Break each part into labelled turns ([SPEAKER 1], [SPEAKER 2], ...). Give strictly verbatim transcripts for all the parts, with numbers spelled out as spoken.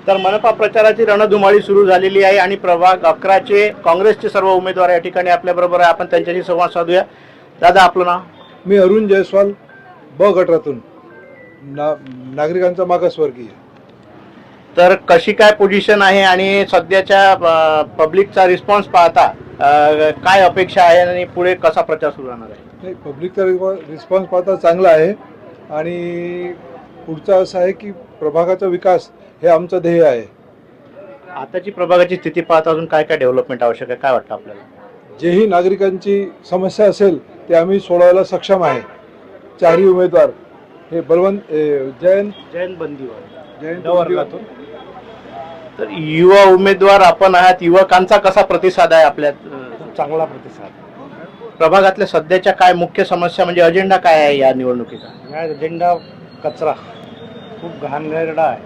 [SPEAKER 1] तर मनपा प्रचाराची रणधुमाळी सुरू झालेली आहे आणि प्रभाग अकराचे काँग्रेसचे सर्व उमेदवार या ठिकाणी आपल्याबरोबर आहे. आपण त्यांच्याशी संवाद साधूया. दादा, आपलं नाव?
[SPEAKER 2] मी अरुण जयस्वाल, ब गटातून, ना नागरिकांचा मागासवर्गीय.
[SPEAKER 1] तर कशी काय पोझिशन आहे आणि सध्याच्या पब्लिकचा रिस्पॉन्स पाहता अ, काय अपेक्षा आहे आणि पुढे कसा प्रचार सुरू राहणार आहे?
[SPEAKER 2] नाही, पब्लिकचा रिस्पॉन्स पाहता चांगला आहे आणि पुढचा असं आहे की प्रभागाचा विकास हे आमचं ध्येय आहे.
[SPEAKER 1] आताची प्रभागाची स्थिती पाहता अजून काय काय डेव्हलपमेंट आवश्यक आहे, काय वाटतं आपल्याला?
[SPEAKER 2] जेही नागरिकांची समस्या असेल ते आम्ही सोडवायला सक्षम आहे. चारही उमेदवार हे बलवंत ए, जयंत
[SPEAKER 1] जयंत बंदीवर
[SPEAKER 2] जयंत
[SPEAKER 1] वर्गातून. तर युवा उमेदवार आपण आहात, युवकांचा कसा प्रतिसाद आहे आपल्या?
[SPEAKER 3] चांगला प्रतिसाद.
[SPEAKER 1] प्रभागातल्या सध्याच्या काय मुख्य समस्या म्हणजे अजेंडा काय आहे या निवडणुकीचा?
[SPEAKER 3] या एजेंडा कचरा खूप घाणेरडा आहे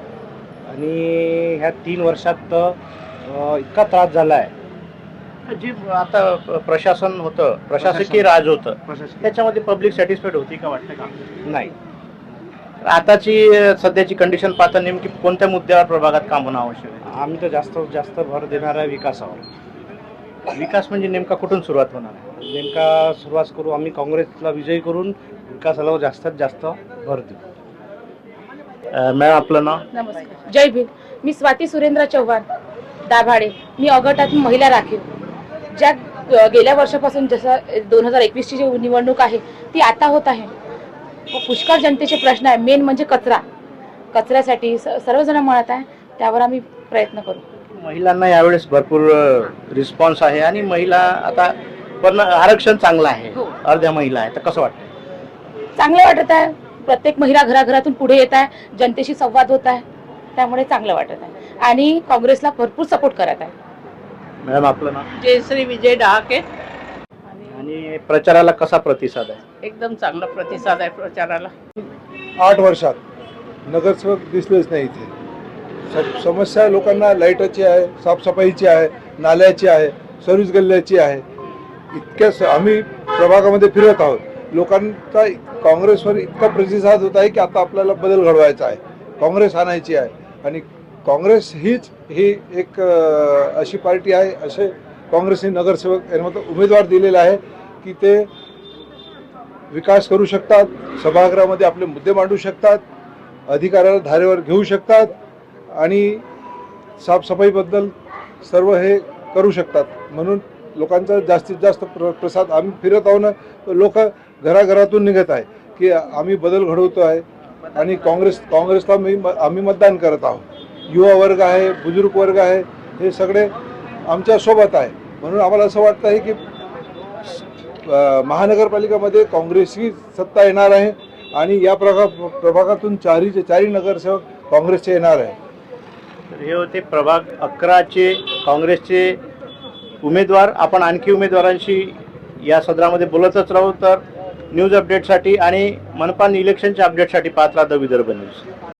[SPEAKER 3] आणि ह्या तीन वर्षात अ, इतका त्रास झाला आहे.
[SPEAKER 1] जी आता प्रशासन होतं, प्रशासकीय राज होतं, त्याच्यामध्ये पब्लिक सॅटिस्फाईड होती का, वाटतं का?
[SPEAKER 3] नाही.
[SPEAKER 1] आताची सध्याची कंडिशन पाहता नेमकी कोणत्या मुद्द्यावर प्रभागात काम होणं आवश्यक आहे?
[SPEAKER 3] आम्ही तर जास्त जास्त भर देणार आहे विकासावर.
[SPEAKER 1] विकास म्हणजे नेमका कुठून सुरुवात होणार आहे?
[SPEAKER 3] नेमका सुरुवात करू आम्ही काँग्रेसला विजयी करून विकासाला जास्तीत जास्त भर देऊ.
[SPEAKER 1] अ, मॅम, आपलं नाव?
[SPEAKER 4] नमस्कार, जय भीम. मी स्वाती सुरेंद्र चव्हाण, दाभाडे. मी अगटातून महिला राखीव. ज्या अ, गेल्या वर्षापासून जसं दोन हजार एकवीसची जी निवडणूक आहे ती आता होत आहे. पुष्कळ जनतेचे प्रश्न आहे. मेन म्हणजे कचरा. कचऱ्यासाठी स सर्वजण म्हणत आहे, त्यावर आम्ही प्रयत्न करू.
[SPEAKER 1] महिलांना यावेळेस भरपूर रिस्पॉन्स आहे आणि महिला आता पण आरक्षण चांगलं आहे,
[SPEAKER 4] हो.
[SPEAKER 1] अर्ध्या महिला आहे, तर कसं वाटतं?
[SPEAKER 4] चांगलं वाटत आहे. प्रत्येक महिला घराघरातून पुढे येत आहे, जनतेशी संवाद होत आहे, त्यामुळे चांगलं वाटत आहे आणि काँग्रेसला भरपूर सपोर्ट करत आहे.
[SPEAKER 1] मॅम, आपलं नाव?
[SPEAKER 5] जयश्री विजय डहाके.
[SPEAKER 1] आणि प्रचाराला कसा प्रतिसाद आहे?
[SPEAKER 5] एकदम चांगला प्रतिसाद आहे प्रचाराला.
[SPEAKER 2] आठ वर्षात नगरसेवक दिसलेच नाही इथे. स- समस्या लोकांना लाईटाची आहे, साफसफाईची आहे, नाल्याची आहे, सर्व्हिस गल्ल्याची आहे. इतक्या स- आम्ही प्रभागामध्ये फिरत आहोत. लोकांचा काँग्रेसवर इतका प्रतिसाद होत आहे की आता आपल्याला बदल घडवायचा आहे, काँग्रेस आणायची आहे. आणि काँग्रेस हीच ही एक अ, अशी पार्टी आहे, असे काँग्रेसने नगरसेवक यांना उमेदवार दिलेला आहे की ते विकास करू शकतात, सभागृहामध्ये आपले मुद्दे मांडू शकतात, अधिकाराला धारेवर घेऊ शकतात आणि साफसफाईबद्दल सर्व हे करू शकतात. म्हणून लोकांचा जास्तीत जास्त प्र प्रसाद आम्ही फिरत आहो ना, लोक घराघरातून निघत आहे की आम्ही बदल घडवतो आहे आणि काँग्रेस काँग्रेसला मी आम्ही मतदान करत आहोत. युवा वर्ग आहे, बुजुर्ग वर्ग आहे, हे सगळे आमच्या सोबत आहे. म्हणून आम्हाला असं वाटतं आहे की अ, महानगरपालिकामध्ये काँग्रेसची सत्ता येणार आहे आणि या प्रभा प्रभागातून चारीचे चारही नगरसेवक काँग्रेसचे येणार आहे.
[SPEAKER 1] तर हे होते प्रभाग अकराचे काँग्रेसचे उमेदवार. आपण आणखी उमेदवारांशी या सदरामध्ये बोलतच राहू. तर न्यूज अपडेटसाठी आणि मनपा इलेक्शनच्या अपडेटसाठी पाहत राहा द विदर्भ न्यूज.